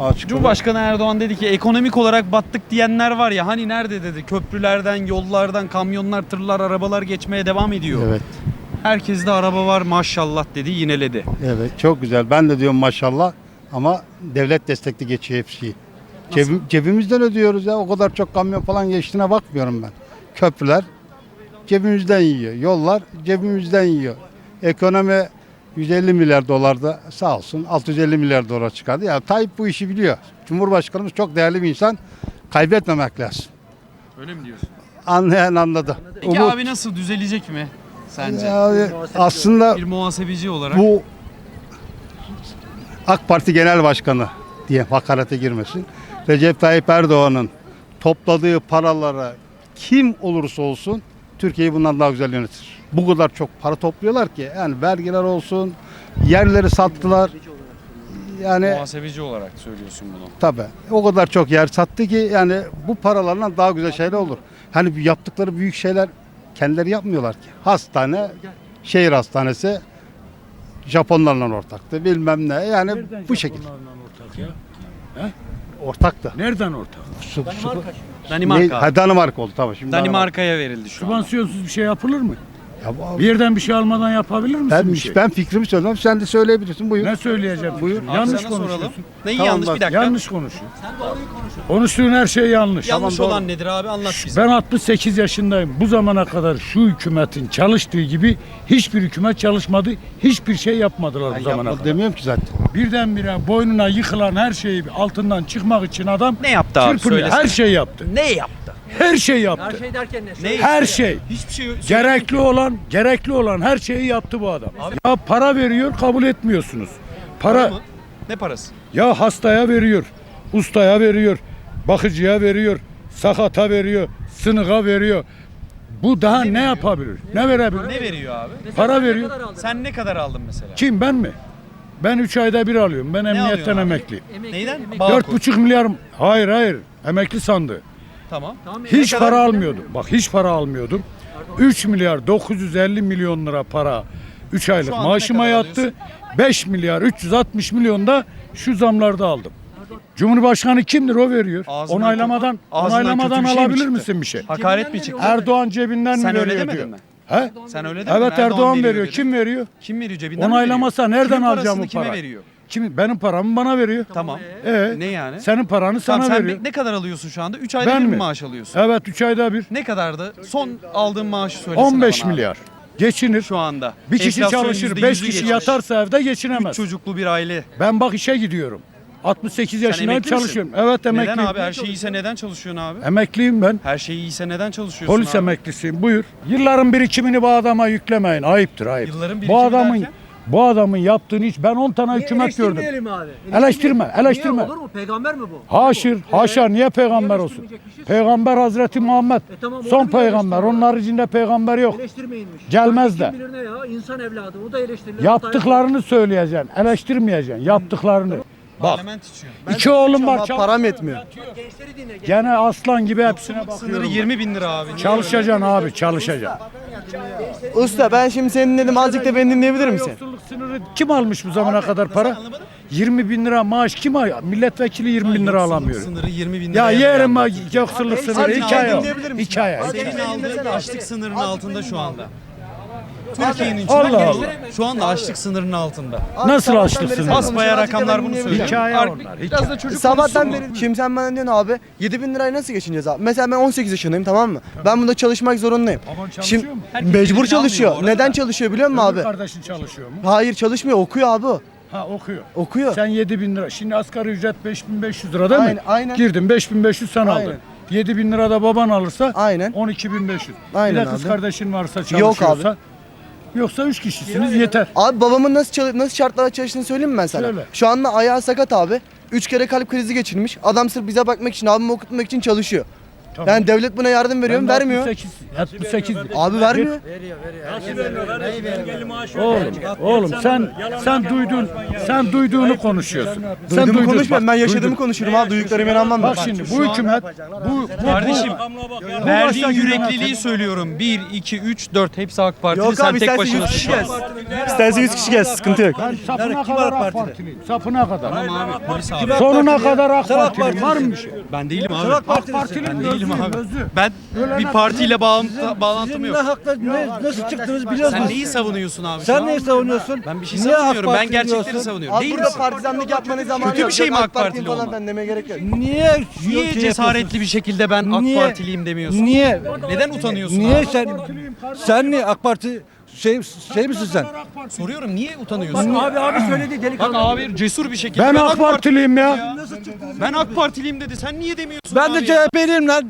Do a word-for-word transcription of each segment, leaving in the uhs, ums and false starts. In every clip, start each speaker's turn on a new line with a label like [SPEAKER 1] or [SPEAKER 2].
[SPEAKER 1] Açık
[SPEAKER 2] Cumhurbaşkanı Erdoğan dedi ki ekonomik olarak battık diyenler var ya, hani nerede dedi, köprülerden, yollardan kamyonlar, tırlar, arabalar geçmeye devam ediyor.
[SPEAKER 1] Evet.
[SPEAKER 2] Herkeste araba var maşallah dedi, yineledi.
[SPEAKER 1] Evet, çok güzel. Ben de diyorum maşallah ama devlet destekli geçiyor hepsi. Cebim, cebimizden ödüyoruz ya. O kadar çok kamyon falan geçtiğine bakmıyorum ben. Köprüler cebimizden yiyor. Yollar cebimizden yiyor. Ekonomi yüz elli milyar dolarda sağ olsun altı yüz elli milyar dolar çıkardı. Ya Tayyip bu işi biliyor. Cumhurbaşkanımız çok değerli bir insan. Kaybetmemek lazım.
[SPEAKER 2] Öyle mi diyorsun?
[SPEAKER 1] Anlayan anladı.
[SPEAKER 2] Peki
[SPEAKER 1] Umut-
[SPEAKER 2] abi nasıl düzelecek mi sence?
[SPEAKER 1] Ya, aslında
[SPEAKER 2] Bir muhasebeci olarak.
[SPEAKER 1] bu AK Parti Genel Başkanı diye hakarete girmesin. Recep Tayyip Erdoğan'ın topladığı paralara kim olursa olsun Türkiye'yi bundan daha güzel yönetir. Bu kadar çok para topluyorlar ki yani vergiler olsun, yerleri sattılar. Yani
[SPEAKER 2] Muhasebeci olarak söylüyorsun bunu.
[SPEAKER 1] tabii o kadar çok yer sattı ki yani bu paralarla daha güzel şeyler olur. Hani yaptıkları büyük şeyler kendileri yapmıyorlar ki. Hastane, şehir hastanesi Japonlarla ortaktı bilmem ne yani
[SPEAKER 3] Nereden
[SPEAKER 1] bu şekilde.
[SPEAKER 3] Japonlarla ortak ya?
[SPEAKER 1] Ortaktı.
[SPEAKER 3] Nereden ortak?
[SPEAKER 1] Su, su,
[SPEAKER 2] Danimarka.
[SPEAKER 1] Ne- ha, Danimarka oldu tamam. Şimdi
[SPEAKER 2] Danimarka'ya verildi şu an.
[SPEAKER 3] Sübvansiyonsuz bir şey yapılır mı?
[SPEAKER 1] Ya bu-
[SPEAKER 3] Bir yerden bir şey almadan yapabilir misin
[SPEAKER 1] ben,
[SPEAKER 3] bir şey?
[SPEAKER 1] ben fikrimi söylüyorum. Sen de söyleyebilirsin. Buyur.
[SPEAKER 3] Ne söyleyeceğim? Buyur.
[SPEAKER 2] Abi
[SPEAKER 3] Yanlış
[SPEAKER 2] sana soralım.
[SPEAKER 3] konuşuyorsun.
[SPEAKER 2] Neyi
[SPEAKER 1] Tamam,
[SPEAKER 2] yanlış
[SPEAKER 1] bak,
[SPEAKER 2] bir dakika.
[SPEAKER 3] Yanlış konuşuyor. Konuştuğun her şey yanlış.
[SPEAKER 2] Yanlış
[SPEAKER 1] Tamam,
[SPEAKER 2] olan
[SPEAKER 1] doğru.
[SPEAKER 2] nedir abi, anlat bize.
[SPEAKER 3] Ben altmış sekiz yaşındayım. Bu zamana kadar şu hükümetin çalıştığı gibi hiçbir hükümet çalışmadı. Hiçbir şey yapmadılar bu
[SPEAKER 1] Ben
[SPEAKER 3] zamana
[SPEAKER 1] yapmadım
[SPEAKER 3] kadar.
[SPEAKER 1] demiyorum ki zaten.
[SPEAKER 3] Birdenbire boynuna yıkılan her şeyi altından çıkmak için adam
[SPEAKER 2] Ne yaptı abi,
[SPEAKER 3] çırpınıyor.
[SPEAKER 2] söylesene.
[SPEAKER 3] Her şey yaptı.
[SPEAKER 2] Ne yaptı?
[SPEAKER 3] Her şey yaptı.
[SPEAKER 4] şey derken ne?
[SPEAKER 2] Ne
[SPEAKER 3] Her
[SPEAKER 2] yaptı?
[SPEAKER 3] şey.
[SPEAKER 2] Hiçbir şey
[SPEAKER 3] Gerekli olan, gerekli olan her şeyi yaptı bu adam. Ya para veriyor, kabul etmiyorsunuz. Para,
[SPEAKER 2] mı? Ne parası?
[SPEAKER 3] ya hastaya veriyor, ustaya veriyor, bakıcıya veriyor, sakata veriyor, sınığa veriyor. Bu daha ne, yapabilir? Ne verebilir?
[SPEAKER 2] Ne veriyor abi?
[SPEAKER 3] Para veriyor.
[SPEAKER 2] Sen ne kadar aldın mesela?
[SPEAKER 3] Kim, ben mi? Ben üç ayda bir alıyorum. Ben emniyetten
[SPEAKER 2] alıyorsun abi?
[SPEAKER 3] emekliyim.
[SPEAKER 2] Neyden?
[SPEAKER 3] Dört
[SPEAKER 2] Bağkur.
[SPEAKER 3] buçuk milyar, hayır hayır, emekli sandığı.
[SPEAKER 2] Tamam.
[SPEAKER 3] Hiç
[SPEAKER 2] Ne kadar?
[SPEAKER 3] para almıyordum. Bak hiç para almıyordum. üç milyar dokuz yüz elli milyon lira para üç aylık
[SPEAKER 2] Şu anda
[SPEAKER 3] maaşıma
[SPEAKER 2] ne kadar
[SPEAKER 3] yattı. beş milyar üç yüz altmış milyon da şu zamlarda aldım. Cumhurbaşkanı kimdir, o veriyor.
[SPEAKER 2] Ağzından
[SPEAKER 3] Onaylamadan
[SPEAKER 2] kötü- ağzından
[SPEAKER 3] onaylamadan
[SPEAKER 2] kötü bir şey mi
[SPEAKER 3] alabilir
[SPEAKER 2] çıktı?
[SPEAKER 3] misin bir şey?
[SPEAKER 2] Hakaret mi çıktı?
[SPEAKER 3] Erdoğan cebinden
[SPEAKER 2] Sen
[SPEAKER 3] mi
[SPEAKER 2] öyle
[SPEAKER 3] veriyor
[SPEAKER 2] demedin
[SPEAKER 3] diyor.
[SPEAKER 2] mi?
[SPEAKER 3] He?
[SPEAKER 2] Sen öyle demedin.
[SPEAKER 3] Evet, Erdoğan, veriyor.
[SPEAKER 2] dedin.
[SPEAKER 3] Kim veriyor?
[SPEAKER 2] Kim veriyor cebinden mi
[SPEAKER 3] Onaylamasa
[SPEAKER 2] veriyor?
[SPEAKER 3] nereden
[SPEAKER 2] Kimin
[SPEAKER 3] alacağım bu
[SPEAKER 2] parasını kime
[SPEAKER 3] parayı?
[SPEAKER 2] veriyor?
[SPEAKER 3] Kim, benim paramı bana veriyor.
[SPEAKER 2] Tamam.
[SPEAKER 3] Ee,
[SPEAKER 2] Ne yani?
[SPEAKER 3] Senin paranı
[SPEAKER 2] Tamam,
[SPEAKER 3] sana
[SPEAKER 2] sen
[SPEAKER 3] veriyor.
[SPEAKER 2] bir- ne kadar alıyorsun şu anda? üç ayda
[SPEAKER 3] Ben
[SPEAKER 2] bir mi
[SPEAKER 3] mi?
[SPEAKER 2] maaş alıyorsun?
[SPEAKER 3] Evet, üç ayda bir.
[SPEAKER 2] Ne kadardı? Son aldığın maaşı söylesene
[SPEAKER 3] on beş
[SPEAKER 2] bana abi.
[SPEAKER 3] milyar. Geçinir.
[SPEAKER 2] Şu anda.
[SPEAKER 3] Bir kişi
[SPEAKER 2] Enflasyon
[SPEAKER 3] çalışır,
[SPEAKER 2] yüzde
[SPEAKER 3] beş
[SPEAKER 2] yüzü
[SPEAKER 3] kişi
[SPEAKER 2] geçmiş.
[SPEAKER 3] yatarsa evde
[SPEAKER 2] Üç
[SPEAKER 3] geçinemez.
[SPEAKER 2] çocuklu bir aile.
[SPEAKER 3] Ben bak işe gidiyorum. altmış sekiz yaşındayım,
[SPEAKER 2] emekli misin?
[SPEAKER 3] çalışıyorum. Evet, emekliyim.
[SPEAKER 2] Neden abi? Her şey iyiyse neden çalışıyorsun abi?
[SPEAKER 3] Emekliyim ben.
[SPEAKER 2] Her şey iyiyse neden çalışıyorsun
[SPEAKER 3] Polis
[SPEAKER 2] abi?
[SPEAKER 3] emeklisiyim. Buyur. Yılların birikimini bu adama yüklemeyin. Ayıptır, ayıp.
[SPEAKER 2] Yılların
[SPEAKER 3] bu
[SPEAKER 2] birikimi
[SPEAKER 3] adamın
[SPEAKER 2] derken?
[SPEAKER 3] bu adamın yaptığını hiç ben on tane hükümet gördüm.
[SPEAKER 4] Eleştirmeyelim abi.
[SPEAKER 3] Eleştirme, eleştirme.
[SPEAKER 4] Niye, olur mu? Peygamber mi bu?
[SPEAKER 3] Haşır, haşa, niye peygamber olsun?
[SPEAKER 4] eleştirmeyecekmişiz?
[SPEAKER 3] Peygamber Hazreti Muhammed.
[SPEAKER 4] E tamam, onu
[SPEAKER 3] Son
[SPEAKER 4] bile
[SPEAKER 3] peygamber.
[SPEAKER 4] eleştiriyor.
[SPEAKER 3] Onun haricinde peygamber yok.
[SPEAKER 4] Eleştirmeyinmiş.
[SPEAKER 3] Gelmez
[SPEAKER 4] Kim
[SPEAKER 3] de.
[SPEAKER 4] bilir ne ya? İnsan evladı. O da eleştirilir.
[SPEAKER 3] Yaptıklarını söyleyeceksin. Eleştirmeyeceksin. Yaptıklarını. Bak.
[SPEAKER 2] Parlament içiyor.
[SPEAKER 3] İki oğlum var.
[SPEAKER 1] Ama
[SPEAKER 3] Çal-
[SPEAKER 1] param yetmiyor.
[SPEAKER 4] Gençleri dinle. genç-
[SPEAKER 3] Gene aslan gibi hepsine
[SPEAKER 2] Sınırı
[SPEAKER 3] bakıyorum.
[SPEAKER 2] yirmi bin lira abi. Niye
[SPEAKER 3] Çalışacaksın abi, çalışacaksın.
[SPEAKER 5] Usta ben şimdi seni dinledim, azıcık da beni dinleyebilir misin?
[SPEAKER 3] Yoksulluk sınırı kim almış bu zamana kadar para? yirmi bin lira maaş kim al? Milletvekili yirmi bin lira
[SPEAKER 2] Yoksulluk
[SPEAKER 3] alamıyor.
[SPEAKER 2] Sınırı yirmi bin lira.
[SPEAKER 3] Ya yerim ha
[SPEAKER 2] yapıyor.
[SPEAKER 3] yoksulluk
[SPEAKER 5] Abi,
[SPEAKER 3] sınırı
[SPEAKER 5] azıcık
[SPEAKER 3] hikaye o.
[SPEAKER 5] dinleyebilir misin?
[SPEAKER 3] Hikaye.
[SPEAKER 2] Senin aldığın açlık sınırının altında şu anda. Türkiye'nin
[SPEAKER 3] Allah
[SPEAKER 2] çoğu
[SPEAKER 3] Allah.
[SPEAKER 2] şu anda açlık sınırının altında.
[SPEAKER 3] Nasıl açlık sınırı?
[SPEAKER 2] Basbayağı rakamlar bunu söylüyor.
[SPEAKER 3] Hikaye
[SPEAKER 2] Ar-
[SPEAKER 3] onlar,
[SPEAKER 2] Biraz
[SPEAKER 3] hikaye.
[SPEAKER 2] da çocuk
[SPEAKER 5] Sabahtan
[SPEAKER 2] konuşsun mu?
[SPEAKER 5] beri şimdi sen bana diyorsun abi yedi bin lirayı nasıl geçineceğiz abi? Mesela ben on sekiz yaşındayım, tamam mı? Ben bunda çalışmak zorundayım.
[SPEAKER 3] Baban çalışıyor
[SPEAKER 5] Şimdi
[SPEAKER 3] mu?
[SPEAKER 2] Herkes
[SPEAKER 5] mecbur
[SPEAKER 2] birbirini almıyor
[SPEAKER 5] çalışıyor.
[SPEAKER 2] bu arada
[SPEAKER 5] Neden
[SPEAKER 2] da.
[SPEAKER 5] çalışıyor biliyor musun
[SPEAKER 3] Öbür
[SPEAKER 5] abi?
[SPEAKER 3] kardeşin çalışıyor mu?
[SPEAKER 5] Hayır, çalışmıyor, okuyor abi o.
[SPEAKER 3] Ha, okuyor.
[SPEAKER 5] Okuyor.
[SPEAKER 3] Sen yedi bin lira. Şimdi asgari ücret beş bin beş yüz lira değil mi?
[SPEAKER 5] Aynen, aynen.
[SPEAKER 3] Girdin beş bin beş yüz sen
[SPEAKER 5] Aynen.
[SPEAKER 3] aldın. yedi bin lira da baban alırsa
[SPEAKER 5] Aynen.
[SPEAKER 3] on iki bin beş yüz.
[SPEAKER 5] Aynen
[SPEAKER 3] Bir de kız
[SPEAKER 5] abi.
[SPEAKER 3] kardeşin varsa
[SPEAKER 5] Yok
[SPEAKER 3] çalışıyorsa.
[SPEAKER 5] abi.
[SPEAKER 3] Yoksa üç kişisiniz yeter.
[SPEAKER 5] Abi babamın nasıl çalı- nasıl şartlarda çalıştığını söyleyeyim mi ben sana?
[SPEAKER 3] Söyle.
[SPEAKER 5] Şu anda ayağı sakat abi. Üç kere kalp krizi geçirmiş. Adam sırf bize bakmak için, abimi okutmak için çalışıyor. Yani devlet buna yardım veriyor mu?
[SPEAKER 3] Ben de
[SPEAKER 5] Vermiyor.
[SPEAKER 3] altmış sekiz, altmış sekiz.
[SPEAKER 5] Abi vermiyor.
[SPEAKER 3] Oğlum, oğlum sen sen duydun, sen duyduğunu konuşuyorsun. Sen
[SPEAKER 5] Duyduğumu
[SPEAKER 3] duydun,
[SPEAKER 5] konuşmuyorum. Ben
[SPEAKER 3] bak,
[SPEAKER 5] yaşadığımı
[SPEAKER 3] duydun.
[SPEAKER 5] konuşuyorum abi. Duyduklarımı inanmam
[SPEAKER 3] Bak
[SPEAKER 5] ben.
[SPEAKER 3] şimdi bu hükümet, bu, bu
[SPEAKER 2] Kardeşim
[SPEAKER 3] bu
[SPEAKER 2] verdiğin
[SPEAKER 3] başta
[SPEAKER 2] yürekliliği
[SPEAKER 3] yöneten-
[SPEAKER 2] söylüyorum. bir, iki, üç, dört hepsi AK Partili.
[SPEAKER 5] Yok
[SPEAKER 2] Sen
[SPEAKER 5] abi
[SPEAKER 2] tek
[SPEAKER 5] istersen
[SPEAKER 2] başına.
[SPEAKER 5] yüz kişi gelsin. İstersen yüz kişi gelsin. Sıkıntı yok.
[SPEAKER 3] Ben sapına kadar AK Partiliyim. Sapına kadar.
[SPEAKER 2] Tamam abi polis abi.
[SPEAKER 3] Sonuna kadar AK Partiliyim. Var mı bir şey?
[SPEAKER 2] Ben değilim abi.
[SPEAKER 3] AK Partiliyim.
[SPEAKER 2] Ben değilim
[SPEAKER 3] özlüyüm,
[SPEAKER 2] abi.
[SPEAKER 3] özlü.
[SPEAKER 2] Ben bir partiyle bağlantı, bağlantım yok.
[SPEAKER 6] hakla ne, nasıl çıktınız biliyorsunuz.
[SPEAKER 2] Sen neyi savunuyorsun abi? şu
[SPEAKER 6] Sen
[SPEAKER 2] an?
[SPEAKER 6] neyi savunuyorsun?
[SPEAKER 2] Ben bir şey
[SPEAKER 6] Niye AK
[SPEAKER 2] savunmuyorum. Ben
[SPEAKER 6] Parti
[SPEAKER 2] gerçekleri
[SPEAKER 6] diyorsun?
[SPEAKER 2] savunuyorum.
[SPEAKER 5] Abi
[SPEAKER 2] Değil
[SPEAKER 5] burada
[SPEAKER 2] misin?
[SPEAKER 5] partizanlık yapmanın zamanı
[SPEAKER 2] Kötü
[SPEAKER 5] yok.
[SPEAKER 2] bir şey
[SPEAKER 5] Yok,
[SPEAKER 2] mi AK
[SPEAKER 5] Partili
[SPEAKER 2] Partili
[SPEAKER 5] falan
[SPEAKER 2] olmak?
[SPEAKER 5] ben demeye gerek yok.
[SPEAKER 6] Niye
[SPEAKER 2] Niye
[SPEAKER 6] şey
[SPEAKER 2] cesaretli bir şekilde ben AK
[SPEAKER 6] Niye?
[SPEAKER 2] Partiliyim demiyorsun?
[SPEAKER 6] Niye?
[SPEAKER 2] Neden utanıyorsun
[SPEAKER 6] Niye
[SPEAKER 2] abi?
[SPEAKER 6] sen sen niye AK Parti şey şey misin sen?
[SPEAKER 2] Soruyorum niye utanıyorsun?
[SPEAKER 4] Abi abi söyledi
[SPEAKER 2] Bak
[SPEAKER 4] delikanlı.
[SPEAKER 2] abi cesur bir şekilde
[SPEAKER 3] Ben AK Partiliyim ya.
[SPEAKER 2] Ben AK Partiliyim dedi. Sen niye demiyorsun
[SPEAKER 6] Ben
[SPEAKER 2] abi
[SPEAKER 6] de
[SPEAKER 2] ya?
[SPEAKER 6] C H P'liyim lan.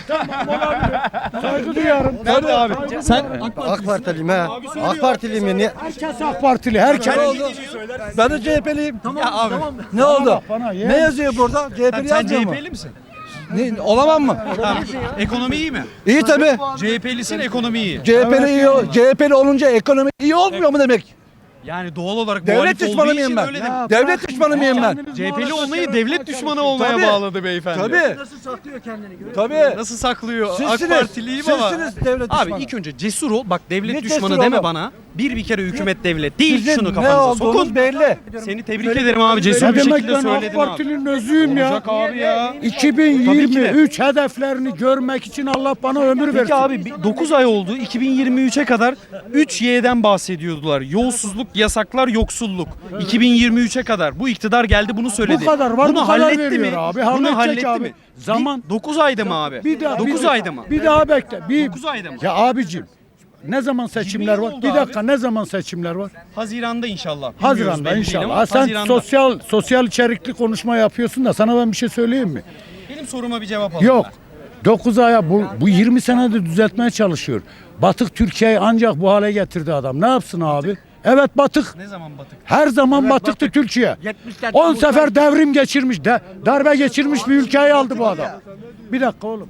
[SPEAKER 3] Saygı duyarım.
[SPEAKER 2] Nerede abi? Sen
[SPEAKER 7] AK Partiliyim ha. AK Partiliyim ya. Niye?
[SPEAKER 3] Herkes AK Partili. Herkes.
[SPEAKER 6] Ben de C H P'liyim.
[SPEAKER 2] ya abi
[SPEAKER 6] Ne oldu?
[SPEAKER 3] Bana ye.
[SPEAKER 6] Ne yazıyor burada? C H
[SPEAKER 2] sen,
[SPEAKER 6] P'li
[SPEAKER 2] sen
[SPEAKER 6] yazmıyor mu?
[SPEAKER 2] C H P'li misin?
[SPEAKER 6] Ne, olamam mı?
[SPEAKER 2] Tamam. Ekonomi iyi mi?
[SPEAKER 6] İyi tabii.
[SPEAKER 2] C H P'lisin ekonomi iyi.
[SPEAKER 6] C H P'li iyi, C H P'li olunca ekonomi iyi olmuyor mu demek?
[SPEAKER 2] Yani doğal olarak
[SPEAKER 6] Devlet
[SPEAKER 2] muhalif
[SPEAKER 6] düşmanı
[SPEAKER 2] olduğu
[SPEAKER 6] mıyım
[SPEAKER 2] için
[SPEAKER 6] ben?
[SPEAKER 2] öyle demek.
[SPEAKER 6] Devlet düşmanı mıyım ben?
[SPEAKER 2] C H P'li olmayı devlet düşmanı olmaya
[SPEAKER 6] Tabii.
[SPEAKER 2] bağladı beyefendi.
[SPEAKER 6] Tabii.
[SPEAKER 4] Nasıl saklıyor kendini görüyor
[SPEAKER 6] Tabii.
[SPEAKER 2] Nasıl saklıyor?
[SPEAKER 6] Sizsiniz.
[SPEAKER 2] AK Partiliyim ama.
[SPEAKER 6] Sizsiniz devlet
[SPEAKER 2] Abi
[SPEAKER 6] düşmanı.
[SPEAKER 2] ilk önce cesur ol. Bak devlet
[SPEAKER 6] Ne
[SPEAKER 2] düşmanı
[SPEAKER 6] cesur
[SPEAKER 2] deme
[SPEAKER 6] oğlum?
[SPEAKER 2] bana. Bir bir kere hükümet devlet değil.
[SPEAKER 6] Sizin
[SPEAKER 2] Şunu
[SPEAKER 6] ne
[SPEAKER 2] kafanıza
[SPEAKER 6] olduğunuz
[SPEAKER 2] sokun.
[SPEAKER 6] belli.
[SPEAKER 2] Seni tebrik ederim abi. Cesur
[SPEAKER 3] Ne
[SPEAKER 2] bir
[SPEAKER 3] demek
[SPEAKER 2] şekilde
[SPEAKER 3] ben AK
[SPEAKER 2] söyledin abi.
[SPEAKER 3] Parti'nin özüyüm ya.
[SPEAKER 2] Olacak abi ya.
[SPEAKER 3] iki bin yirmi üç hedeflerini görmek için Allah bana ömür versin.
[SPEAKER 2] Peki abi dokuz ay oldu. iki bin yirmi üçe kadar üç Y'den bahsediyordular. Yolsuzluk, yasaklar, yoksulluk. iki bin yirmi üçe kadar bu iktidar geldi bunu söyledi.
[SPEAKER 3] Bu kadar var,
[SPEAKER 2] bunu
[SPEAKER 3] bu kadar
[SPEAKER 2] halletti
[SPEAKER 3] veriyor
[SPEAKER 2] mi?
[SPEAKER 3] abi.
[SPEAKER 2] Bunu
[SPEAKER 3] Halledecek
[SPEAKER 2] halletti
[SPEAKER 3] abi.
[SPEAKER 2] mi?
[SPEAKER 3] Zaman-
[SPEAKER 2] dokuz ayda mı abi?
[SPEAKER 3] Bir daha
[SPEAKER 2] dokuz
[SPEAKER 3] bir,
[SPEAKER 2] ayda mı?
[SPEAKER 3] Bir daha bekle. Bir,
[SPEAKER 2] dokuz ayda mı?
[SPEAKER 3] Ya abicim ne zaman seçimler
[SPEAKER 2] yirmi
[SPEAKER 3] var?
[SPEAKER 2] oldu
[SPEAKER 3] Bir
[SPEAKER 2] abi.
[SPEAKER 3] dakika ne zaman seçimler var?
[SPEAKER 2] Haziranda inşallah. Bilmiyoruz
[SPEAKER 3] Haziran'da
[SPEAKER 2] belli değil
[SPEAKER 3] inşallah.
[SPEAKER 2] ama
[SPEAKER 3] Ha, sen
[SPEAKER 2] Haziran'da.
[SPEAKER 3] sosyal sosyal içerikli konuşma yapıyorsun da sana ben bir şey söyleyeyim mi?
[SPEAKER 2] Benim soruma bir cevap alın.
[SPEAKER 3] Yok. dokuz aya bu, bu yirmi senedir düzeltmeye çalışıyor. Batık Türkiye'yi ancak bu hale getirdi adam. Ne yapsın abi? Evet batık.
[SPEAKER 2] Ne zaman batık?
[SPEAKER 3] Her zaman batıktı Türkiye. on sefer devrim geçirmiş, de, darbe geçirmiş bir ülkeyi aldı bu adam. Bir dakika oğlum.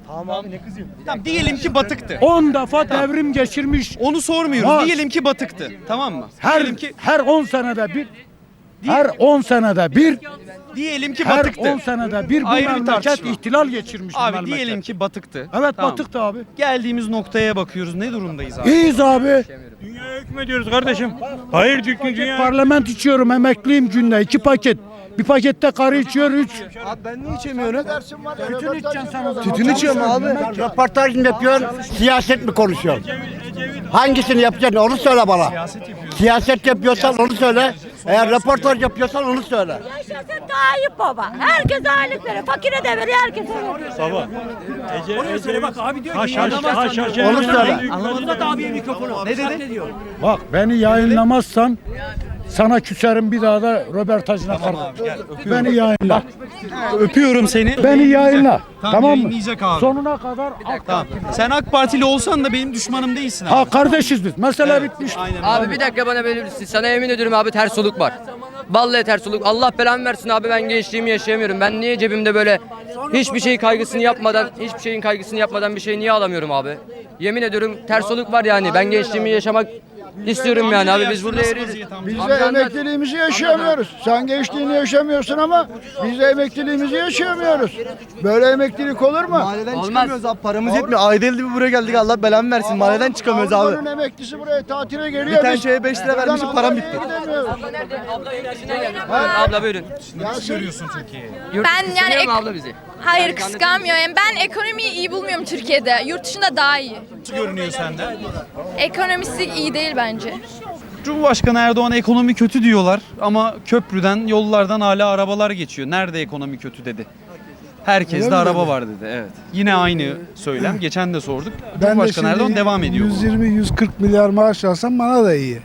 [SPEAKER 2] Tamam diyelim ki batıktı.
[SPEAKER 3] on defa devrim geçirmiş.
[SPEAKER 2] Onu sormuyoruz.
[SPEAKER 3] Ha.
[SPEAKER 2] Diyelim ki batıktı. Tamam mı?
[SPEAKER 3] Her
[SPEAKER 2] diyelim ki
[SPEAKER 3] her on senede bir her on senede bir
[SPEAKER 2] diyelim ki
[SPEAKER 3] her
[SPEAKER 2] batıktı.
[SPEAKER 3] on senede bir bu
[SPEAKER 2] Ayrı bir
[SPEAKER 3] memleket
[SPEAKER 2] tartışma.
[SPEAKER 3] ihtilal geçirmiş bu
[SPEAKER 2] Abi
[SPEAKER 3] memleket.
[SPEAKER 2] diyelim ki batıktı.
[SPEAKER 3] Evet
[SPEAKER 2] Tamam.
[SPEAKER 3] batıktı abi.
[SPEAKER 2] Geldiğimiz noktaya bakıyoruz. Ne durumdayız abi?
[SPEAKER 3] İyiyiz abi.
[SPEAKER 8] Hükmediyoruz kardeşim. Hayır dünya.
[SPEAKER 3] Parlament içiyorum, emekliyim günde iki paket. Bir pakette karı içiyor üç.
[SPEAKER 5] Abi ben niye içemiyorum?
[SPEAKER 3] Tütün içeceksin sen o zaman.
[SPEAKER 5] Tütün içiyorum abi.
[SPEAKER 7] Röportaj mı yapıyorsun? Siyaset mi konuşuyorsun? Hangisini yapacaksın onu söyle bana. Siyaset yapıyorsan onu söyle. Eğer röportaj yapıyorsan onu söyle.
[SPEAKER 9] Yaşasın Tayyip Baba. Herkes aylık veriyor. Fakire de veriyor, herkese veriyor.
[SPEAKER 4] Oraya söyle bak abi diyor ki
[SPEAKER 8] Haş, haş,
[SPEAKER 4] yayınlamazsan
[SPEAKER 8] haş, haş,
[SPEAKER 4] diyor.
[SPEAKER 7] Onu söyle.
[SPEAKER 4] Uzat abiye mikrofonu. Ne dedi? diyor.
[SPEAKER 3] Bak beni yayınlamazsan sana küserim bir daha da röportajına kalmam. Beni yayınla.
[SPEAKER 2] Öpüyorum seni.
[SPEAKER 3] Beni yayınla.
[SPEAKER 2] Tamam,
[SPEAKER 3] Tamam mı?
[SPEAKER 2] yayınlayacak abi.
[SPEAKER 3] Sonuna kadar AK
[SPEAKER 2] Tamam. Sen AK Partili olsan da benim düşmanım değilsin abi.
[SPEAKER 3] Ha kardeşiz biz. Mesele bitmiş.
[SPEAKER 2] Aynen.
[SPEAKER 10] Abi bir dakika bana verir misin? Sana yemin ediyorum abi ters oluk var. Vallahi ters oluk. Allah belamı versin abi ben gençliğimi yaşayamıyorum. Ben niye cebimde böyle hiçbir şey kaygısını yapmadan, hiçbir şeyin kaygısını yapmadan bir şey niye alamıyorum abi? Yemin ediyorum ters oluk var yani. Ben gençliğimi yaşamak istiyorum yani abi biz burada eriyoruz.
[SPEAKER 11] Biz de
[SPEAKER 10] Amca anlat.
[SPEAKER 11] emekliliğimizi yaşayamıyoruz. Sen gençliğini yaşamıyorsun ama biz de emekliliğimizi yaşayamıyoruz. Böyle emeklilik olur mu?
[SPEAKER 5] Mahalleden
[SPEAKER 10] Olmaz.
[SPEAKER 5] çıkamıyoruz abi. Paramız yetmiyor. Ayda elde bir buraya geldik. Allah belamı versin. Mahalleden çıkamıyoruz abi.
[SPEAKER 11] Avrupa'nın emeklisi buraya tatile geliyor.
[SPEAKER 5] Bir tane
[SPEAKER 11] Biz
[SPEAKER 5] şeye beş lira
[SPEAKER 11] buradan
[SPEAKER 5] vermişim, param
[SPEAKER 11] Almanya'ya
[SPEAKER 5] bitti.
[SPEAKER 11] gidemiyoruz.
[SPEAKER 10] Abla ilerisine gel. Abla buyurun.
[SPEAKER 2] Nasıl görüyorsun Türkiye'yi?
[SPEAKER 10] Yurt
[SPEAKER 12] Ben
[SPEAKER 10] dışı
[SPEAKER 12] yani
[SPEAKER 10] seviyor mu
[SPEAKER 12] ek-
[SPEAKER 10] abla bizi?
[SPEAKER 12] Hayır kıskanmıyorum. Ben ekonomiyi iyi bulmuyorum Türkiye'de. Yurt dışında daha iyi.
[SPEAKER 2] Nasıl görünüyor sende?
[SPEAKER 12] Ekonomisi iyi değil bence.
[SPEAKER 2] Cumhurbaşkanı Erdoğan ekonomi kötü diyorlar ama köprüden, yollardan hala arabalar geçiyor. Nerede ekonomi kötü dedi. Herkes de araba var dedi. Evet. Yine aynı söylem. Geçen de sorduk. Cumhurbaşkanı Erdoğan devam ediyor.
[SPEAKER 11] yüz yirmi yüz kırk milyar maaş alsam bana da iyi.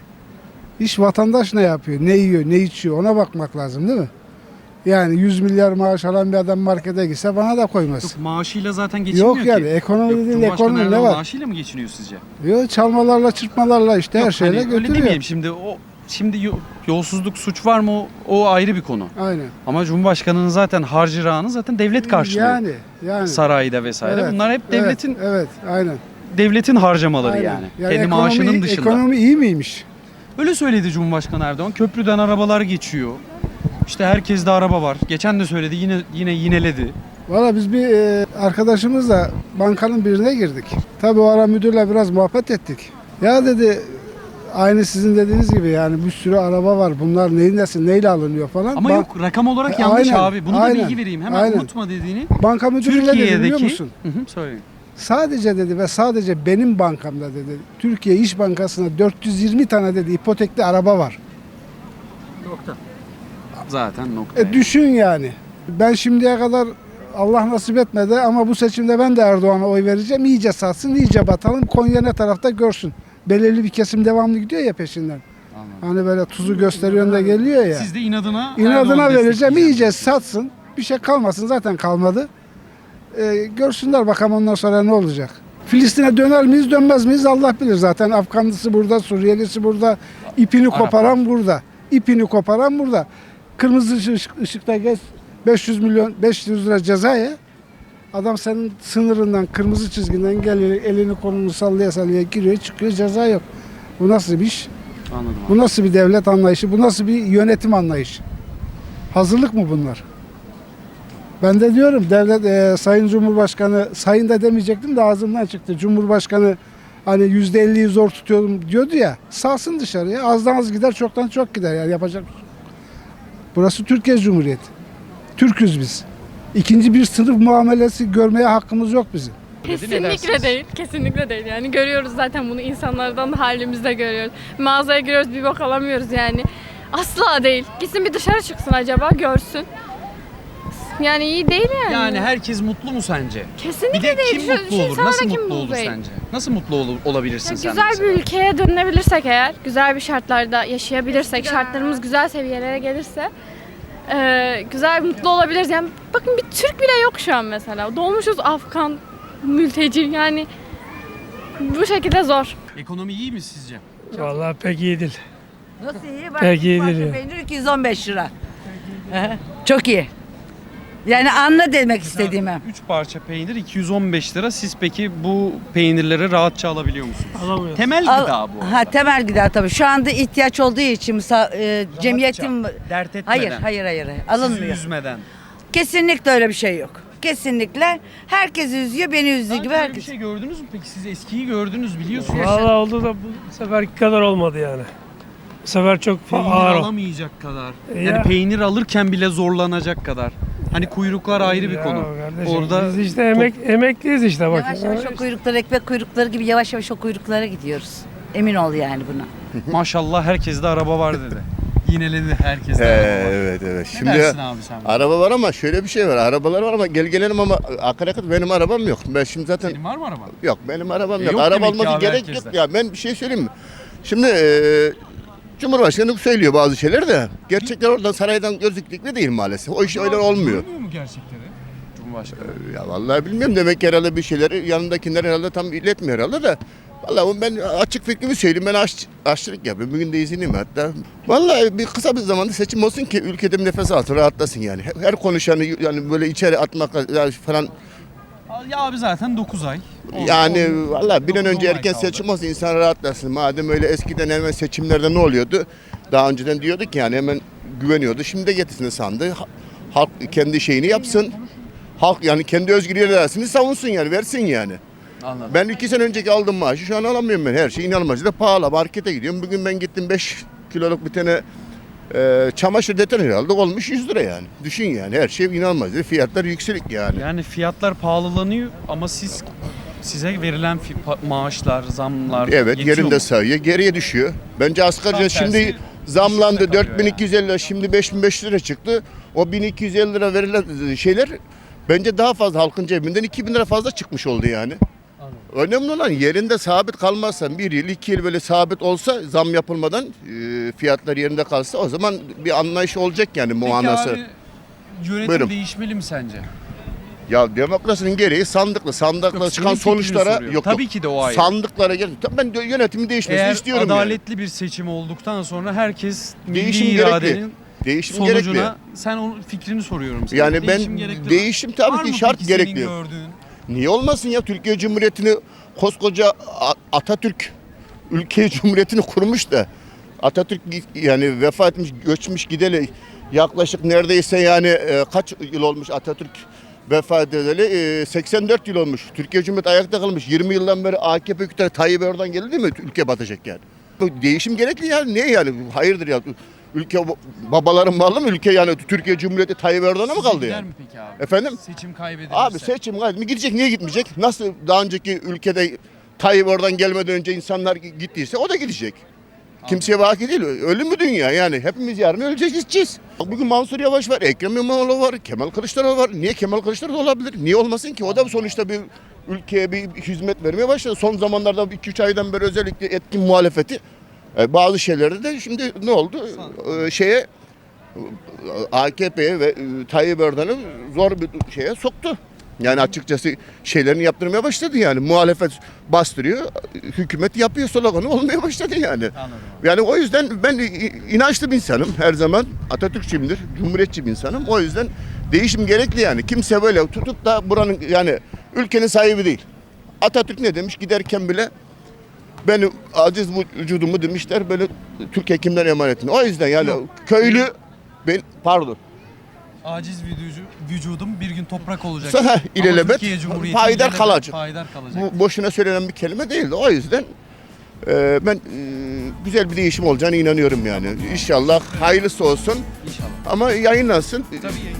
[SPEAKER 11] İş vatandaş ne yapıyor? Ne yiyor, ne içiyor? Ona bakmak lazım değil mi? Yani yüz milyar maaş alan bir adam markete gitse bana da koymaz.
[SPEAKER 2] Yok, maaşıyla zaten geçinmiyor
[SPEAKER 11] Yok
[SPEAKER 2] ki.
[SPEAKER 11] yani, ekonomi
[SPEAKER 2] Yok,
[SPEAKER 11] değil,
[SPEAKER 2] Cumhurbaşkanı
[SPEAKER 11] ekonomi ne
[SPEAKER 2] Erdoğan
[SPEAKER 11] var?
[SPEAKER 2] maaşıyla mı geçiniyor sizce?
[SPEAKER 11] Yok çalmalarla çırpmalarla işte her
[SPEAKER 2] Yok,
[SPEAKER 11] şeyle
[SPEAKER 2] hani öyle
[SPEAKER 11] götürüyor.
[SPEAKER 2] demeyelim şimdi o şimdi yo- yolsuzluk suç var mı o, o ayrı bir konu.
[SPEAKER 11] Aynen.
[SPEAKER 2] Ama Cumhurbaşkanı'nın zaten harcırağını zaten devlet karşılıyor.
[SPEAKER 11] Yani yani.
[SPEAKER 2] Sarayda vesaire.
[SPEAKER 11] Evet,
[SPEAKER 2] Bunlar hep
[SPEAKER 11] evet,
[SPEAKER 2] devletin
[SPEAKER 11] Evet, aynen.
[SPEAKER 2] devletin harcamaları
[SPEAKER 11] Aynen.
[SPEAKER 2] yani.
[SPEAKER 11] Yani
[SPEAKER 2] Kendi
[SPEAKER 11] ekonomi-
[SPEAKER 2] maaşının dışında.
[SPEAKER 11] Ekonomi iyi miymiş?
[SPEAKER 2] Öyle söyledi Cumhurbaşkanı Erdoğan. Köprüden arabalar geçiyor. İşte herkeste araba var. Geçen de söyledi, yine yine yineledi.
[SPEAKER 11] Valla biz bir e, arkadaşımızla bankanın birine girdik. Tabii o ara müdürle biraz muhabbet ettik. Ya dedi, aynı sizin dediğiniz gibi yani bir sürü araba var. Bunlar neyin nesi, neyle alınıyor falan.
[SPEAKER 2] Ama
[SPEAKER 11] Ba-
[SPEAKER 2] yok, rakam olarak
[SPEAKER 11] E,
[SPEAKER 2] yanlış
[SPEAKER 11] aynen,
[SPEAKER 2] abi. Bunu
[SPEAKER 11] aynen,
[SPEAKER 2] da bilgi vereyim. Hemen
[SPEAKER 11] aynen.
[SPEAKER 2] unutma dediğini.
[SPEAKER 11] Banka müdürü ne dedi biliyor
[SPEAKER 2] Türkiye'deki
[SPEAKER 11] musun?
[SPEAKER 2] Hı hı, söyleyin.
[SPEAKER 11] Sadece dedi ve sadece benim bankamda dedi. Türkiye İş Bankası'na dört yüz yirmi tane dedi ipotekli araba var.
[SPEAKER 2] Zaten nokta.
[SPEAKER 11] E düşün yani. Ben şimdiye kadar Allah nasip etmedi ama bu seçimde ben de Erdoğan'a oy vereceğim. İyice satsın, iyice batalım. Konya ne tarafta görsün. Belirli bir kesim devamlı gidiyor ya peşinden. Hani böyle tuzu gösteriyor da geliyor ya.
[SPEAKER 2] Siz de inadına
[SPEAKER 11] İnadına
[SPEAKER 2] Erdoğan'ı
[SPEAKER 11] vereceğim,
[SPEAKER 2] destekleyeceksiniz.
[SPEAKER 11] iyice satsın. Bir şey kalmasın, zaten kalmadı. E, görsünler bakalım ondan sonra ne olacak. Filistin'e döner miyiz dönmez miyiz Allah bilir zaten. Afganlısı burada, Suriyelisi burada, ipini
[SPEAKER 2] Arap
[SPEAKER 11] koparan burada. İpini koparan burada. Kırmızı ışık, ışıkta geç beş yüz milyon beş yüz lira cezaya. Adam senin sınırından, kırmızı çizginden geliyor, elini kolunu sallaya sallaya giriyor, çıkıyor, ceza yok. Bu nasıl bir iş?
[SPEAKER 2] Anladım abi.
[SPEAKER 11] Bu nasıl bir devlet anlayışı? Bu nasıl bir yönetim anlayışı? Hazırlık mı bunlar? Ben de diyorum devlet e, Sayın Cumhurbaşkanı, sayın da demeyecektim de ağzımdan çıktı. Cumhurbaşkanı hani yüzde elliyi zor tutuyorum diyordu ya. Salsın dışarıya. Azdan az gider, çoktan çok gider. Yani yapacak bir şey yok. Burası Türkiye Cumhuriyeti. Türküz biz. İkinci bir sınıf muamelesi görmeye hakkımız yok bizim.
[SPEAKER 12] Kesinlikle değil. Kesinlikle değil. Yani görüyoruz zaten bunu, insanlardan da halimizde görüyoruz. Mağazaya giriyoruz, bir bak alamıyoruz yani. Asla değil. Gitsin bir dışarı çıksın acaba, görsün. Yani iyi değil yani.
[SPEAKER 2] Yani herkes mutlu mu sence?
[SPEAKER 12] Kesinlikle
[SPEAKER 2] Bir de
[SPEAKER 12] değil.
[SPEAKER 2] kim
[SPEAKER 12] Şu-
[SPEAKER 2] mutlu
[SPEAKER 12] şu
[SPEAKER 2] olur?
[SPEAKER 12] insanlara
[SPEAKER 2] Nasıl
[SPEAKER 12] kim
[SPEAKER 2] mutlu olur
[SPEAKER 12] değil?
[SPEAKER 2] sence? Nasıl mutlu ol- olabilirsin
[SPEAKER 12] Ya
[SPEAKER 2] sen
[SPEAKER 12] güzel
[SPEAKER 2] mesela?
[SPEAKER 12] bir ülkeye dönülebilirsek eğer, güzel bir şartlarda yaşayabilirsek, şartlarımız güzel seviyelere gelirse e, güzel, mutlu olabiliriz. Yani bakın bir Türk bile yok şu an mesela. Dolmuşuz Afgan, mülteci yani bu şekilde zor.
[SPEAKER 2] Ekonomi iyi mi sizce?
[SPEAKER 8] Vallahi pek iyi değil.
[SPEAKER 9] Nasıl iyi? Bak,
[SPEAKER 8] Peki,
[SPEAKER 9] bir parça
[SPEAKER 8] iyidir ya.
[SPEAKER 9] peynir iki yüz on beş lira. Çok iyi. Yani anla demek istediğimi.
[SPEAKER 2] üç parça peynir iki yüz on beş lira. Siz peki bu peynirleri rahatça alabiliyor musunuz?
[SPEAKER 8] Alamıyoruz.
[SPEAKER 2] Temel
[SPEAKER 9] Al-
[SPEAKER 2] gıda bu.
[SPEAKER 9] Ha, temel gıda tabii. Şu anda ihtiyaç olduğu için misa- e, cemiyetim
[SPEAKER 2] Dert etmeden.
[SPEAKER 9] hayır hayır hayır hayır.
[SPEAKER 2] Sizi
[SPEAKER 9] alınmıyor.
[SPEAKER 2] üzmeden.
[SPEAKER 9] Kesinlikle öyle bir şey yok. Kesinlikle herkes üzüyor, beni üzdüğü
[SPEAKER 2] Daha
[SPEAKER 9] gibi
[SPEAKER 2] önce böyle
[SPEAKER 9] herkes.
[SPEAKER 2] bir şey gördünüz mü peki? Siz eskiyi gördünüz, biliyorsunuz.
[SPEAKER 8] Vallahi oldu da bu seferki kadar olmadı yani. Bu sefer çok
[SPEAKER 2] Peynir
[SPEAKER 8] ağır. o.
[SPEAKER 2] alamayacak kadar.
[SPEAKER 8] Ya.
[SPEAKER 2] Yani peynir alırken bile zorlanacak kadar. Hani kuyruklar ayrı bir
[SPEAKER 8] Ya
[SPEAKER 2] konu.
[SPEAKER 8] kardeşim,
[SPEAKER 2] Orada
[SPEAKER 8] biz işte emek emekliyiz işte bak.
[SPEAKER 9] Yavaş yavaş o kuyrukları, ekmek kuyrukları gibi yavaş yavaş o kuyruklara gidiyoruz. Emin ol yani buna.
[SPEAKER 2] maşallah herkeste araba var dedi. Yineledi herkeste
[SPEAKER 13] Ee,
[SPEAKER 2] araba var.
[SPEAKER 13] evet evet.
[SPEAKER 2] Ne
[SPEAKER 13] Şimdi
[SPEAKER 2] dersin abi sen?
[SPEAKER 13] araba var ama şöyle bir şey var. Arabalar var ama gel gelelim ama akaryakıt benim arabam yok. Ben şimdi zaten
[SPEAKER 2] Senin var mı araba?
[SPEAKER 13] yok benim arabam
[SPEAKER 2] E,
[SPEAKER 13] yok.
[SPEAKER 2] yok
[SPEAKER 13] Araba
[SPEAKER 2] demek ki
[SPEAKER 13] olması
[SPEAKER 2] abi
[SPEAKER 13] gerek
[SPEAKER 2] herkeste.
[SPEAKER 13] yok ya. Ben bir şey söyleyeyim mi? Şimdi e, Cumhurbaşkanı söylüyor bazı şeyler de gerçekler oradan saraydan gözüklükle değil maalesef. O iş öyle olmuyor.
[SPEAKER 2] Görmüyor mu gerçekleri? Cumhurbaşkanı.
[SPEAKER 13] Ya vallahi bilmiyorum, demek ki herhalde bir şeyleri yanındakiler herhalde tam iletmiyor herhalde de. Vallahi ben açık fikrimi söyleyeyim, ben aş, aşçılık yapıyorum. Bugün de izinliyim hatta. Vallahi bir kısa bir zamanda seçim olsun ki ülkede bir nefes alsın, rahatlasın yani. Her konuşanı yani böyle içeri atmak falan.
[SPEAKER 2] Ya abi zaten dokuz ay. On-
[SPEAKER 13] Yani
[SPEAKER 2] on-
[SPEAKER 13] vallahi bir an
[SPEAKER 2] dokuz,
[SPEAKER 13] önce
[SPEAKER 2] on ay
[SPEAKER 13] erken
[SPEAKER 2] kaldı.
[SPEAKER 13] seçim olsun, insan rahatlasın. Madem öyle eskiden hemen seçimlerde ne oluyordu? Daha önceden diyorduk ki yani hemen güveniyordu. Şimdi de getirsin sandı. Ha- Halk kendi şeyini yapsın. Halk yani kendi özgür iradesini savunsun yani, versin yani.
[SPEAKER 2] Anladım.
[SPEAKER 13] Ben iki sene önceki aldığım maaşı şu an alamıyorum ben. Her şey inanılmaz da pahalı. Markete gidiyorum. Bugün ben gittim beş kiloluk bir tane e, çamaşır deterjanı aldık. Olmuş yüz lira yani. Düşün yani, her şey inanılmaz. Fiyatlar yükselik yani.
[SPEAKER 2] Yani fiyatlar pahalanıyor ama siz size verilen fi- pa- maaşlar, zamlar
[SPEAKER 13] Evet,
[SPEAKER 2] yetiyor
[SPEAKER 13] yerinde
[SPEAKER 2] mu?
[SPEAKER 13] sayıyor. Geriye düşüyor. Bence asgari
[SPEAKER 2] Tam
[SPEAKER 13] ücret şimdi
[SPEAKER 2] tersi,
[SPEAKER 13] zamlandı.
[SPEAKER 2] düşükte kalıyor
[SPEAKER 13] dört bin iki yüz elli lira, şimdi beş bin beş yüz lira çıktı. O bin iki yüz elli lira verilen şeyler bence daha fazla halkın cebinden iki bin lira fazla çıkmış oldu yani. Önemli olan yerinde sabit kalmazsan, bir yıl iki yıl böyle sabit olsa, zam yapılmadan e, fiyatlar yerinde kalsa, o zaman bir anlayış olacak yani,
[SPEAKER 2] Peki
[SPEAKER 13] muanası.
[SPEAKER 2] abi, yönetim
[SPEAKER 13] Buyurun.
[SPEAKER 2] değişmeli mi sence?
[SPEAKER 13] Ya demokrasinin gereği sandıkla, sandıkla
[SPEAKER 2] Yok,
[SPEAKER 13] çıkan
[SPEAKER 2] senin fikrini
[SPEAKER 13] sonuçlara
[SPEAKER 2] soruyorum.
[SPEAKER 13] yok
[SPEAKER 2] Tabii
[SPEAKER 13] yok.
[SPEAKER 2] ki de o ayrı.
[SPEAKER 13] Sandıklara gel. Tabii ben de yönetimin değişmesini
[SPEAKER 2] Eğer
[SPEAKER 13] istiyorum yani.
[SPEAKER 2] adaletli bir seçim olduktan sonra herkes
[SPEAKER 13] Değişim
[SPEAKER 2] milli
[SPEAKER 13] gerekli.
[SPEAKER 2] iradenin
[SPEAKER 13] Değişim
[SPEAKER 2] sonucuna
[SPEAKER 13] gerekli.
[SPEAKER 2] sen onun fikrini soruyorum sana.
[SPEAKER 13] Yani
[SPEAKER 2] Değişim
[SPEAKER 13] ben
[SPEAKER 2] gerekli mi?
[SPEAKER 13] değişim tabii
[SPEAKER 2] Var
[SPEAKER 13] ki
[SPEAKER 2] mı
[SPEAKER 13] şart
[SPEAKER 2] peki senin
[SPEAKER 13] gerekli.
[SPEAKER 2] gördüğün?
[SPEAKER 13] Niye olmasın ya? Türkiye Cumhuriyeti'ni koskoca A- Atatürk ülke cumhuriyetini kurmuş da Atatürk yani vefat etmiş, göçmüş gideli yaklaşık neredeyse yani e, kaç yıl olmuş Atatürk vefat edeli? E, seksen dört yıl olmuş. Türkiye Cumhuriyeti ayakta kalmış. yirmi yıldan beri A K P hükümeti Tayyip Erdoğan geldi değil mi? Ülke batacak yani. Bu değişim gerekli yani. Niye yani? Hayırdır ya? Ülke babaların malı mı? Ülke yani Türkiye Cumhuriyeti Tayyip Erdoğan'a mı kaldı
[SPEAKER 2] Gider
[SPEAKER 13] yani?
[SPEAKER 2] mi peki abi?
[SPEAKER 13] Efendim?
[SPEAKER 2] Seçim kaybedilirse.
[SPEAKER 13] Abi seçim gayet mi gidecek, niye gitmeyecek? Nasıl daha önceki ülkede Tayyip oradan gelmeden önce insanlar gittiyse o da gidecek. Kimseye baki değil. Ölüm mü dünya yani? Hepimiz yarın öleceğiz, gideceğiz. Bugün Mansur Yavaş var, Ekrem İmamoğlu var, Kemal Kılıçdaroğlu var. Niye Kemal Kılıçdaroğlu olabilir? Niye olmasın ki? O da sonuçta bir ülkeye bir hizmet vermeye başladı. Son zamanlarda iki üç aydan beri özellikle etkin muhalefeti e, bazı şeylerde de şimdi ne oldu? E, şeye A K P'ye ve e, Tayyip Erdoğan'ı zor bir şeye soktu. Yani açıkçası şeylerini yaptırmaya başladı yani. Muhalefet bastırıyor, hükümet yapıyor sloganı olmaya başladı yani.
[SPEAKER 2] Anladım.
[SPEAKER 13] Yani o yüzden ben inançlı bir insanım her zaman. Atatürkçüyümdür, cumhuriyetçi bir insanım. O yüzden değişim gerekli yani. Kimse böyle tutup da buranın yani ülkenin sahibi değil. Atatürk ne demiş giderken bile benim aciz vücudumu demişler böyle Türk hekimden emanetim. O yüzden yani
[SPEAKER 2] Yok.
[SPEAKER 13] köylü ben pardon.
[SPEAKER 2] Aciz vücudu, vücudum bir gün toprak olacak.
[SPEAKER 13] Sana
[SPEAKER 2] Ama
[SPEAKER 13] ilelebet
[SPEAKER 2] Türkiye Cumhuriyeti
[SPEAKER 13] payidar
[SPEAKER 2] ilelebet
[SPEAKER 13] kalacak.
[SPEAKER 2] Payidar kalacak.
[SPEAKER 13] Bu boşuna söylenen bir kelime değildi. O yüzden e, ben e, güzel bir değişim olacağına inanıyorum yani. İnşallah hayırlısı olsun
[SPEAKER 2] İnşallah.
[SPEAKER 13] ama yayınlansın.
[SPEAKER 2] Tabii